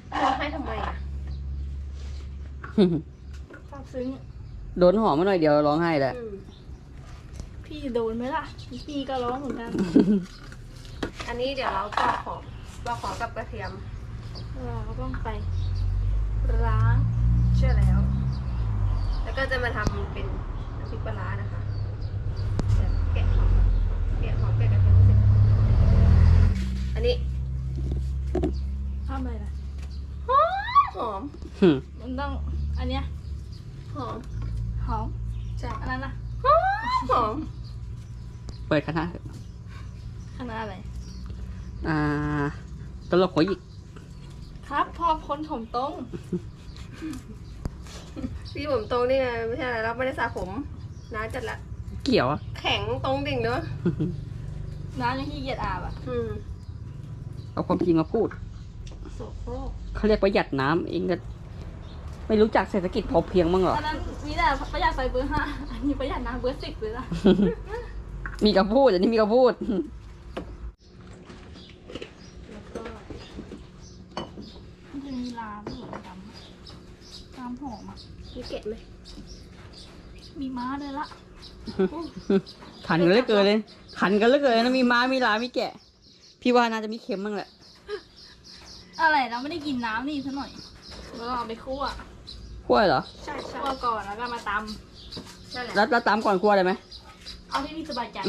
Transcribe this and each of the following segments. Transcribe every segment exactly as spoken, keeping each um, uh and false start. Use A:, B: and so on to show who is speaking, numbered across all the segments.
A: ร้องไห้ทำไมอ่ะซาบซึ้ง
B: โดนหอมมาหน่อยเดียวร้องไห้แหละ
A: พี่โดนไหมล่ะพี่ก็ร้องเหมือนกันอันนี้เดี๋ยวเราปอกหอมปอกหอมกับกระเทียมเราต้องไปล้างเชื่อแล้วแล้วก็จะมาทำเป็นน้ำพริกปลาร้านะคะแกะหอมแกะหอมแกะกระเทียมเสร็จอันนี้ทำอะไรนะหอมหอมมันต้องอันเนี้ยหอมหอมใช่อันนั้นนะหอมหอม
B: เปิดคณะ
A: คณะอะไร
B: อ่าตลกหัวหยิก
A: ครับพอพ้นผมตรงพี่ผมตรงนี่ไงไม่ใช่อะไรเราไม่ได้สระผมน้าจัดละ
B: เกี่ยวอะ
A: แข็งตรงดิ่งเนอะน้ายังขี้เกียจอาบอ่ะ
B: เอาความจริงมาพูดเขาเรียกประหยัดน้ำเองก็ไม่รู้จักเศรษฐกิจพอเพียงมั้งเหรอ
A: อันนั้นมีแต่ประหยัดไฟเบอร์ห้าอันนี้ประหยัดน้ำเบอร์สิบเลยล่ะ
B: มีกระพูดอันนี้มีกระพูด
A: มันจะมีลาเหมือนกันตามหอมอ่ะมีเกล็ดไหมมีม้าเลยละ
B: ขันกันเหลือเกินเลยขันกันเหลือเกินนะมีม้ามีลามีแกะพี่ว่าน่าจะมีเค็มบ้างแหละ
A: อะไรเราไม่ได้กินน้ำนี่ซะหน่อยเราเอาไปคั่ว
B: คั่วเหรอ
A: ใช่ใช่คั่วก่อนแล้วก็มาตำใช่แหละ
B: แล้วแล้วตำก่อนคั่วได้ไหม
A: เอาที่พี่สบายใจ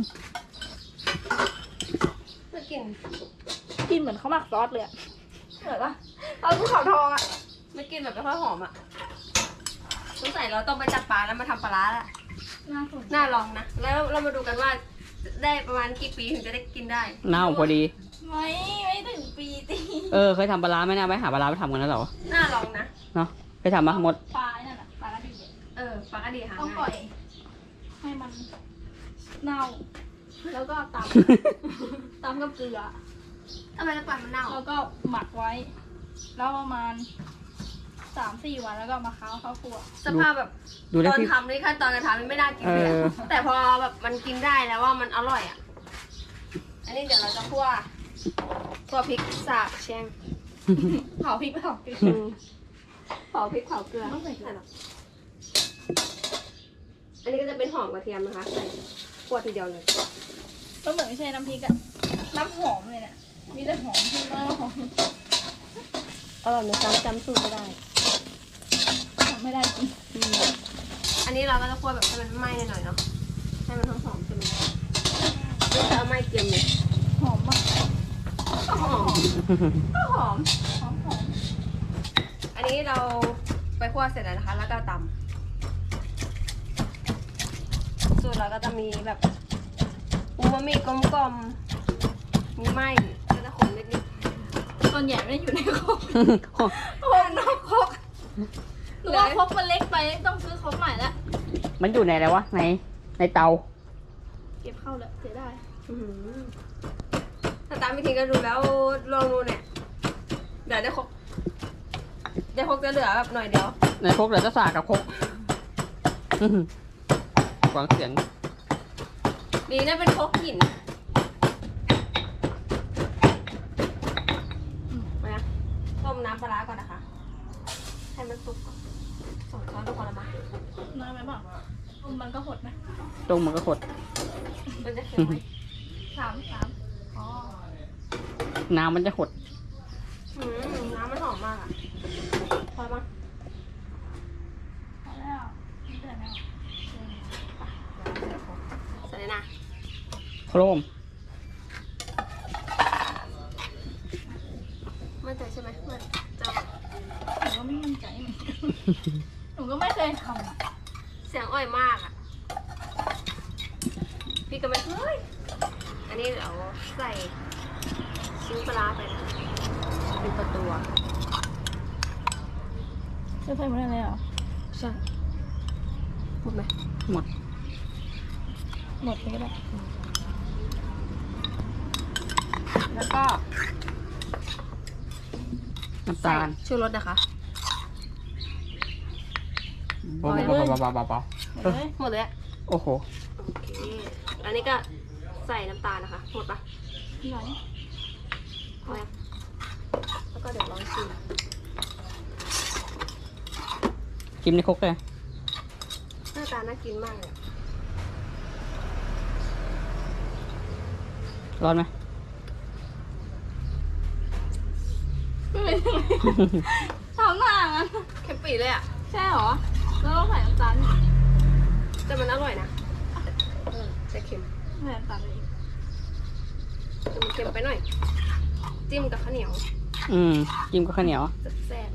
A: ไม่กินกินเหมือนข้าวหมักซอสเลยอะเหมือนปะเอาภูเขาทองอะไม่กินแบบไม่ค่อยหอมอะสงสัยเราต้องไปจับปลาแล้วมาทำปลาร้าละน่าลองนะแล้วเรามาดูกันว่าได้ประมาณกี่ปีถึงจะได้กินได้
B: น่าพอดี
A: ไม่ไม่ถึงปีตี
B: เออเคยทำปลาร้าไหมนะไปหาปลาร้าไปทำกันแล้วเหรอ
A: น่าลองนะ
B: เนาะไปทำมาหมด
A: ปลาเนี่ยนะปลากระดีเออปลากระดีหาต้องปล่อยให้มันเน่าแล้วก็ตำตำกับเกลือทำไมจะปล่อยมันเน่าแล้วก็หมักไว้แล้วประมาณสามสี่วันแล้วก็มาค้าข้าวคั่วสภาพแบบตอนทำนี่ขั้นตอนการทำนี่ไม่น่ากินเลยแต่พอแบบมันกินได้แล้วว่ามันอร่อยอ่ะอันนี้เดี๋ยวเราจะคั่วคั่วพริกสาบแช่งเผาพริกเผาพริกเผาพริกเผาเกลือไม่ใส่หรอกอันนี้ก็จะเป็นหอมกระเทียมนะคะใส่คั่วทีเดียวเลยก็เหมือนไม่ใช่น้ำพริกอะน้ำหอมเลยเนี่ยมีแต่หอมที่มากหอมอร่อยเลยจำจำสูตรไม่ได้ไม่ได้จริงอันนี้เราก็จะคั่วแบบให้มันไหม้หน่อยเนาะให้มันหอมๆใช่ไหมไม่จะเอาไหม้เกรียมเลยหอมมากหอมหอมหอมหอมอันนี้เราไปคั่วเสร็จแล้วนะคะแล้วก็ตำสูตรเราก็จะมีแบบอูมามิกลมๆมีไหม้ก็จะขมนิดๆส่วนใหญ่ไม่ได้อยู่ในครกโอ้นอกครกหนูว่าครกมันเล็กไปต้องซื้อครกใหม่แล้ว
B: มันอยู่ในอะไรวะในในเตา
A: เก็บเข้าแล้วเสียได้ถ้าตามวิธีก็ดูแล้วลองดูเนี่ยเดี๋ยวได้ครกได้ครกจะเหลือแบบหน่อยเดียว
B: ในครกเหลือจะสากกับครกฟังเสียง
A: ดีนะเป็นครกหินมาต้มน้ำปลาก่อนนะคะให้มันสุกก่อนสองช้อนก็พอละมั้งน้อยไหมบ้างต้มมันก็หดไหม
B: ต้มมันก็หด
A: มันจะเค็มไหมสามสามอ๋อ
B: น้ำมันจะหด
A: น้ำมันหอมมากอ่ะพอมั้งพอแล้วเดือดแล้วใส่เลยนะ
B: โครม
A: มั่นใจใช่ไหมมันจะหนูก็ไม่มั่นใจหนูก็ไม่เคยทำอ่ะเสียงอ่อยมากอ่ะพี่ก็ไม่เคยอันนี้เดี๋ยวใส่ชิ้นปลาไปนะเป็นตัวตัวจะใส่หมดเลยเหรอใช่หมดไหม
B: หมด
A: หมดเลยก็ได้แล้วก็
B: น้ำตาล
A: ชูรสนะคะ
B: เบาๆเบาๆเบา
A: ๆหมดเลย
B: โอ้โห
A: โอเคอันนี้ก็ใส่น้ำตาลนะคะหมดปะไม่ไหวพอแล้วโอเคก็เดี๋ยวลองชิม
B: กินในครกเลย
A: หน้าตาน่ากินมากเลย
B: ร้อนไหม
A: ทำหน้างั้นเค็มปีเลยอ่ะใช่หรอแล้วเราใส่น้ำตาลแต่มันอร่อยนะเออแต่เค็มใส่น้ำตาลเลยแต่มันเค็มไปหน่อยจิ้มกับข้าวเหนียว
B: อืมจิ้มกับข้าวเหนียว
A: แซ่บ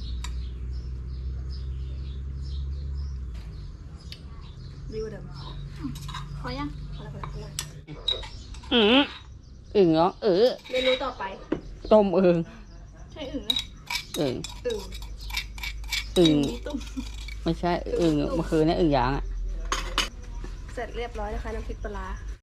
A: ดีกว่าเดิมพอยังพอแล้วพอแล้วพอแล้ว
B: อืมอึ่งเหรอเออ
A: เมนูต่อไป
B: ต้มอึ่ง
A: ใช่อึ่งไหม
B: อึ่ง
A: อึ่ง
B: อึ่ง
A: มีตุ้ม
B: ไม่ใช่อึ่งเมื่อคืนนี่อึ่งยางอ่ะ
A: เสร็จเรียบร้อยนะคะน้ำพริกปลาร้า